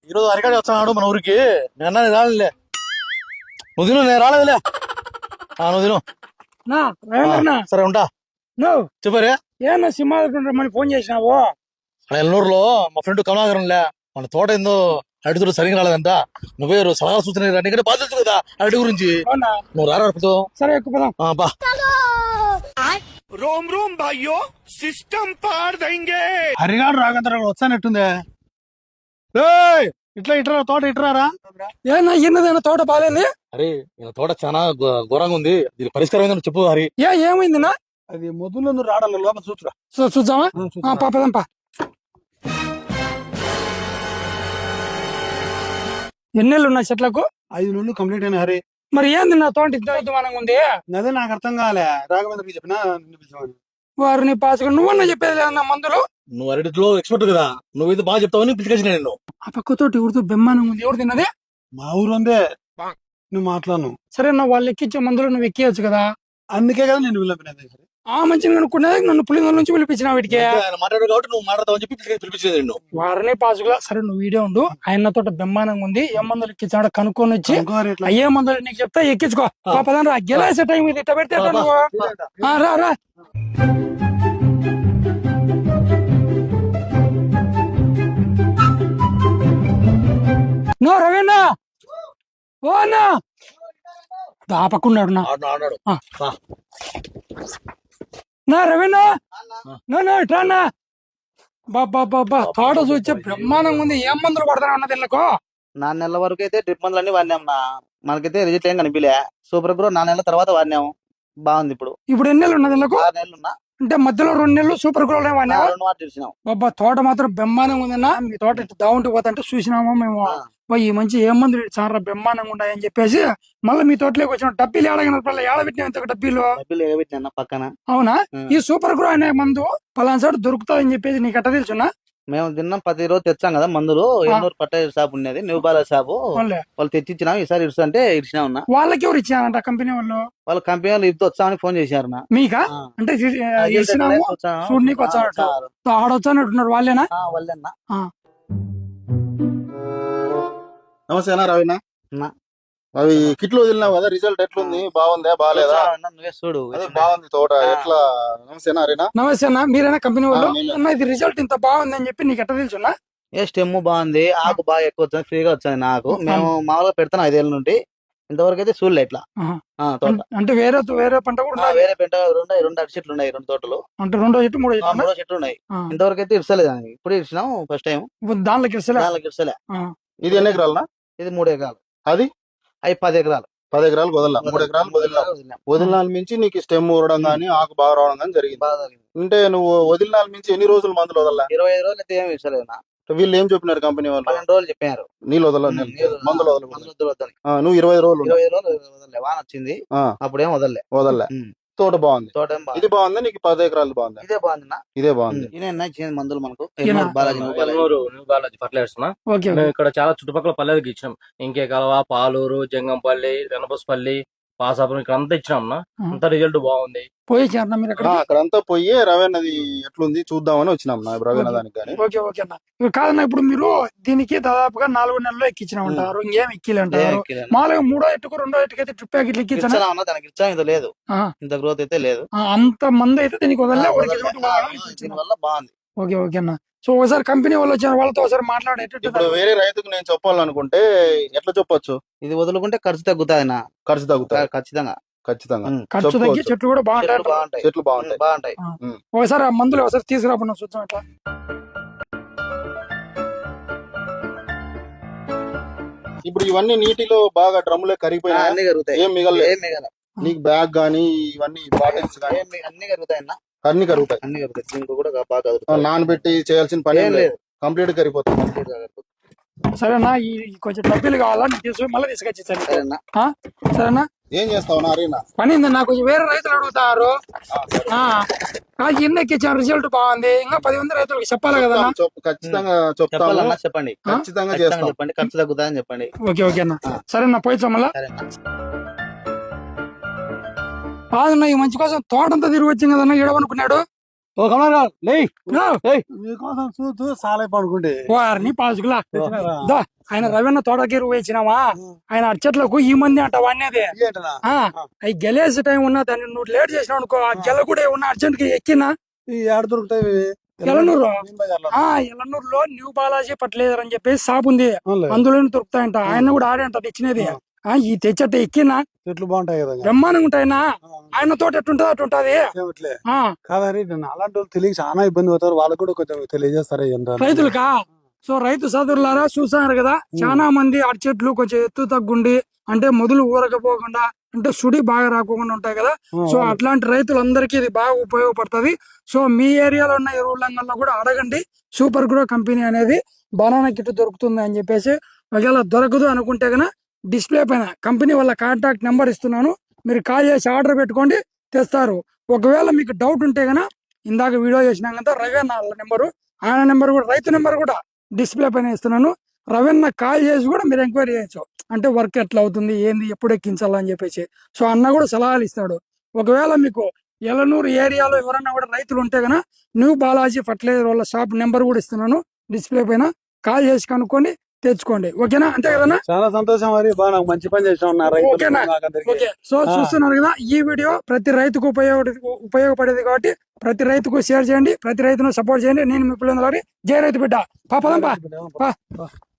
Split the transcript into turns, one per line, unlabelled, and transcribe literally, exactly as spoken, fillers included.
ఈరోజు అరికాడి వచ్చాడు మన ఊరికి. నిన్న రాలేదులే, నువ్వు తిను, నేను రాలేదులే. నువ్వు తిను.
నా రేవంగన్నా
సరే ఉంటా.
నువ్వు
చెప్పారే
ఏమన్నా సింహాద్రి ఫోన్ చేసినావు?
ఎల్లూరులో మా ఫ్రెండ్ కమలాకరంలే, మన తోట ఏందో అడుగుతుడు సరిగ్గా రాలేదంట. నువ్వే సలహా సూచన నీకంటే బాధ తెలుసు కదా అరటి గురించి.
అవునా?
నువ్వు రారా.
సరే ఎక్కువ
బా.
रोम रोम भाइयों, सिस्टम पार देंगे.
హరిగాడు రాగంతరా వచ్చానట్టుందే. ఇట్లా ఇట్రా తోట ఇట్రారా.
ఏనా ఎన్నదైనా తోట బాగాలేంది?
అరే ఈయన తోట చాలా ఘోరంగా ఉంది, దీని పరిష్కారం ఏందని చెప్పు హరి.
ఏ ఏమైందినా?
అది మొదలు నువ్వు రాడాలి, లోపల చూచురా.
చూద్దామా? పాపదంపా. ఎన్నెళ్ళు ఉన్నాయి చెట్లకు?
ఐదు నెలలు కంప్లీట్ అయినా హరి.
మరి ఏంది నా తోట ఇంత అద్భుతంగా ఉంది?
అదే నాకు అర్థం కాలే, రాఘవేంద్రకి చెప్పినా పిలిచామని.
వారిని పాసుకు నువ్వన్నా చెప్పేది లేదన్నా మందులు.
నువ్వు అరటిలో ఎక్స్పర్ట్ కదా, నువ్వైతే బాగా చెప్తావని పిలిచేసిన నేను.
ఆ పక్కతోటి ఎవరితో బెమ్మానం ఉంది, ఎవరు తిన్నది?
మా ఊరు అందే, నువ్వు మాట్లాడను.
సరే నా వాళ్ళు ఎక్కించే మందులు నువ్వు ఎక్కియచ్చు కదా.
అందుకే కదా నేను పిలిపినది.
ఆ మంచిగా కనుక్కున్నది నన్ను పులింగల నుంచి పిలిపించిన వీటికి.
ఆయన మాట్లాడు కాబట్టి నువ్వు మాట్లాడతావని చెప్పి పిలిపించేది నేను.
వారిని పాసుకులా. సరే నువ్వు వీడియో ఉండు, ఆయన తోట బెమ్మానంగా ఉంది, ఏ మందులు ఎక్కించాడో కనుక్కొని వచ్చి అయ్యే మందులు నీకు చెప్తా ఎక్కించుకో. పాపదాన్ రా, గెలాసే టైం ఇది, ఇట్ట పెడితే ఎట్ట నువ్వు? ఆ, రా రా. నో రవీనా, ఓ అన్నా దాపకున్నాడు నా
ఆడాడు.
నా రవీనా, నో నో ఇట్రానా. బాబా బాబా తోట చూచే బ్రహ్మాండంగా ఉంది, ఏం మందులు పడతానే ఉన్నది ఇళ్ళకు?
నాలుగు నెలల వరకు అయితే డ్రిప్ మందులు అన్ని వాడినాం నా, మనకైతే రిజల్ట్ ఏం కనిపించలే. సూపర్ గ్రో నాలుగు నెలల తర్వాత వాడినాము, బాగుంది. ఇప్పుడు
ఇప్పుడు ఎన్ని నెలలు ఉన్నది ఇళ్ళకు?
ఆరు నెలలు ఉన్నా,
అంటే మధ్యలో రెండు నెలలు సూపర్ గ్రోల్ ఏమన్నా?
రెండు వాటి తెలిసినాం.
బాబా తోట మాత్రం బ్రహ్మాండంగా ఉందన్నా. మీ తోట దావుంటూ పోతుంటే చూసినామా మేము, ఈ మంచి ఏ మందులు చాలా బ్రహ్మాండంగా ఉంటాయని చెప్పేసి మళ్ళీ మీ తోటలోకి వచ్చిన డబ్బీలు ఏడగిన ఏడబెట్టినా ఇంత డబ్బీలు.
డబ్బులు ఎగబెట్టినా పక్కన.
అవునా? ఈ సూపర్ గ్రో అనే మందు పలానా చోట దొరుకుతాయని చెప్పేసి నీకు ఎట్ట తెలుసున్నా?
మేము తిన్నాం, ప్రతి రోజు తెచ్చాం కదా మందులు. ఎన్నూరు పట్ట షాప్ ఉండేది, న్యూ బాల షాపు, వాళ్ళు తెచ్చిచ్చినాం. ఈసారి ఇరుసు అంటే ఇరిచినా ఉన్నా.
వాళ్ళకి ఎవరు ఇచ్చారంట కంపెనీ వాళ్ళు?
వాళ్ళ కంపెనీ వాళ్ళు ఇప్పుడు వచ్చామని ఫోన్ చేశారు నా.
మీకా? అంటే ఇచ్చినాము చూడనీకి వచ్చానట్టు ఆడొచ్చానట్టున్నారు వాళ్ళేనా?
వాళ్ళేనా.
నమస్తే అన్న రవినా. అవి కిట్లు వదిలినావు కదా, రిజల్ట్ ఎట్లుంది? బాగుందా బాగాలేదా?
నువ్వే చూడు,
బాగుంది తోట ఎట్లా. నమస్తే అన్న.
నమస్తే అన్న, మీరైనా కంపెనీ వాళ్ళు? అన్న ఇది రిజల్ట్ ఇంత బాగుంది అని చెప్పి నీకు ఎట్ట తెలుసున్నా?
ఏ స్టెమ్ బాగుంది, ఆకు బాగా ఎక్కువ వచ్చింది, ఫ్రీగా వచ్చింది నాకు. మేము మామూలుగా పెడతాను ఐదేళ్ళ నుండి, ఇంతవరకు అయితే చూడలే ఇట్లా తోట.
అంటే వేరే వేరే పంట కూడా
వేరే పెంట రెండు రెండు అరటి చెట్లు ఉన్నాయి, రెండు తోటలు.
అంటే రెండో చెట్టు మూడో చెట్టు
మూడో చెట్లు ఉన్నాయి. ఇంతవరకు అయితే ఇర్సలేదు, ఇప్పుడు ఇచ్చినాం ఫస్ట్ టైం.
దాంట్లోకి ఇర్సలే
దాంట్లోకి ఇర్సలే.
ఇది ఎన్ని ఎకరాలనా?
ఇది మూడు ఎకరాలు.
అది
అవి పది ఎకరాలు.
పది ఎకరాలు వదల మూడు ఎకరాలు వదిలినా. వదిలినాల మించి నీకు స్టెమ్ ఊరడం గానీ ఆకు బాగా రావడం గానీ జరిగింది. అంటే నువ్వు వదిలినాల మించి ఎన్ని రోజులు మందులు వదల?
ఇరవై ఐదు రోజులు అయితే ఏమి ఇర్సలేదు.
వీళ్ళు ఏం చెప్పినారు కంపెనీ వాళ్ళు?
పన్నెండు రోజులు చెప్పారు
నీళ్ళు వదల, మందులు వదల. నువ్వు ఇరవై ఐదు రోజులు
ఇరవై ఐదు రోజులు వదలలే, వాన వచ్చింది అప్పుడేం వదలలే
వదలలే. తోట బాగుంది.
తోట
ఇది బాగుంది. నీకు పది ఎకరాలు బాగుంది.
ఇదే బాగుంది.
ఇదే బాగుంది.
ఇదే మందులు మనకు
బాలాజీ ఫర్టిలైజర్స్. ఇక్కడ చాలా చుట్టుపక్కల పల్లెలకి ఇచ్చినాం. ఇంకే కలవ, పాలూరు, జంగంపల్లి, రెనబస్పల్లి, పాసాపురం ఇక్కడ అంతా ఇచ్చినాం. అంత రిజల్ట్ బాగుంది.
పోయి
అక్కడంతా పోయి రవేణది ఎట్లుంది చూద్దామని వచ్చినాం రవేణ దానికి. కానీ
ఓకే ఓకే అన్న. కాదన్నా ఇప్పుడు మీరు దీనికి దాదాపుగా నాలుగు నెలలు ఎక్కించినామంటారు, ఇంకేం ఎక్కిలంటారు? మామూలుగా మూడో ఎట్టుకు రెండో ఎట్టుకు అయితే ట్రిప్ ప్యాకెట్లు ఎక్కించాను,
దానికి ఇచ్చా ఇంత లేదు, ఇంత గ్రోత్ అయితే లేదు.
అంత మంది అయితే దీనికి వదలలే.
వల్ల బాగుంది.
ఓకే ఓకే అన్న. సో ఒకసారి కంపెనీ వాళ్ళు వచ్చిన వాళ్ళతో ఒకసారి మాట్లాడేటట్టు.
ఇప్పుడు వేరే రైతుకు నేను చెప్పాలనుకుంటే ఎట్లా చెప్పొచ్చు?
ఇది వదులుకుంటే ఖర్చు తగ్గుతాయి నా,
ఖర్చు తగ్గుతాయి
ఖచ్చితంగా.
ఖచ్చితంగా
ఖర్చు తగ్గి చెట్లు కూడా బాగుంటాయి.
చెట్లు బాగుంటాయి
బాగుంటాయి
ఒకసారి ఆ మందులు ఒకసారి తీసుకురాబన్నా చూద్దాం. ఎట్లా
ఇప్పుడు ఇవన్నీ నీటిలో బాగా డ్రమ్ములే కరిగిపోయినా
అన్ని కరుగుతాయి,
ఏం మిగలలేదు.
ఏం మిగల.
నీకు బ్యాగ్ గానీ ఇవన్నీ బాటిల్స్ గానీ
అన్ని కరుగుతాయి అన్న,
అన్ని కరుగుతాయి.
అన్ని కరుగుతాయి. దీనికి కూడా బాగా కరుగుతాయి.
నానబెట్టి చేయాల్సిన పని ఏం లేదు, కంప్లీట్ కరిగిపోతుంది.
సరేనా? ఈ కొంచెం డబ్బులు కావాలా నీకు తీసుకుని మళ్ళీ తీసుకొచ్చేసాను.
సరేనా?
సరేనా?
ఏం చేస్తావు నారీనా?
పని నాకు కొంచెం వేరే రైతులు అడుగుతారు. ఎన్ని ఎక్కించాను, రిజల్ట్ బాగుంది, ఇంకా పది మంది రైతులకు చెప్పాలి కదా.
ఖచ్చితంగా
చెప్పాలన్నా చెప్పండి,
ఖచ్చితంగా చేస్తాం.
చెప్పండి, ఖర్చు తగ్గుతాయని చెప్పండి.
ఓకే ఓకే అన్న. సరేనా? పోయిచ్చా మళ్ళా. కాదన్నా ఈ మంచి కోసం తోటంతా తిరిగి వచ్చింది కదన్నా, ఏడవనుకున్నాడు.
ఓ కమలారా లేయ్
నో.
మీకోసం చూస్తూ సాలే పడుకుంటే
వారిని పాసుకులా
తెచ్చినారా?
దా, ఆయన రవీణ తోటకి వేసినావా ఆయన అర్చట్లకు ఈ మంది అంట వాడినేది
ఏంటనా?
ఆ అవి గెలేసే టైం ఉన్నా దాన్ని నువ్వు లేట్ చేసినావు అనుకో ఆ గెల కూడా ఉన్న అర్జెంట్ కి ఎక్కినా
ఈ ఏడ దొరుకుతాయి ఇవి?
ఎలనూరు
ఏం బజార్లో?
ఆ ఎలనూరులో న్యూ బాలాజీ ఫర్టిలైజర్ అని చెప్పేసి షాప్ ఉంది
అవునులే.
అందులోనే దొరుకుతాయంట ఆయన కూడా ఆడే అంట తెచ్చినది ఆ ఈ తెచ్చట ఎక్కినా
చెట్లు బాగుంటాయి కదా ఇంకా.
బ్రహ్మాండంగా ఉంటాయినా ఆయన తోట ఎట్టుంటది అట్టుంటది
ఏమిట్లే
ఆ
కాదని అలాంటి వాళ్ళు తెలియక చాలా ఇబ్బంది అవుతారు. వాళ్ళకు కూడా కొంచెం తెలియజేస్తారా ఏంటో అని.
రైతులకా సో రైతు సోదరులారా చూసారు కదా చాలా మంది అరటి చెట్లు కొంచెం ఎత్తు తగ్గుండి అంటే మొదలు ఊరకపోకుండా అంటే సుడి బాగా రాకుండా ఉంటాయి కదా సో అట్లాంటి రైతులందరికీ ఇది బాగా ఉపయోగపడుతుంది సో మీ ఏరియాలో ఉన్న ఎరువులంగల్లో కూడా అడగండి సూపర్ గ్రో కంపెనీ అనేది బనానా కిట్ దొరుకుతుంది అని చెప్పేసి ఒకవేళ దొరకదు అనుకుంటే గన డిస్ప్లే పైన కంపెనీ వాళ్ళ కాంటాక్ట్ నెంబర్ ఇస్తున్నాను మీరు కాల్ చేసి ఆర్డర్ పెట్టుకోండి తెస్తారు ఒకవేళ మీకు డౌట్ ఉంటే గన ఇందాక వీడియో చేసినాం కదా రవీణ నెంబరు ఆయన నెంబర్ కూడా రైతు నెంబర్ కూడా డిస్ప్లే పైన ఇస్తున్నాను రవీణ కాల్ చేసి కూడా మీరు ఎంక్వైరీ చేయొచ్చు అంటే వర్క్ ఎట్లా అవుతుంది ఏంది ఎప్పుడు ఎక్కించాలా అని చెప్పేసి సో అన్న కూడా సలహాలు ఇస్తాడు ఒకవేళ మీకు ఎలనూరు ఏరియాలో ఎవరన్నా కూడా రైతులు ఉంటే గన న్యూ బాలాజీ ఫర్టిలైజర్ వాళ్ళ షాప్ నెంబర్ కూడా ఇస్తున్నాను డిస్ప్లే పైన కాల్ చేసి కనుక్కొని తెచ్చుకోండి ఓకేనా అంతే కదన్నా
చాలా సంతోషం మరి బాగా నాకు మంచి పని చేసిన
ఓకేనా ఓకే సో చూస్తున్నారు కదా ఈ వీడియో ప్రతి రైతుకు ఉపయోగ ఉపయోగపడేది కాబట్టి ప్రతి రైతుకు షేర్ చేయండి ప్రతి రైతును సపోర్ట్ చేయండి నేను మీ పిల్లలు జై రైతు బిడ్డ పాపదంపా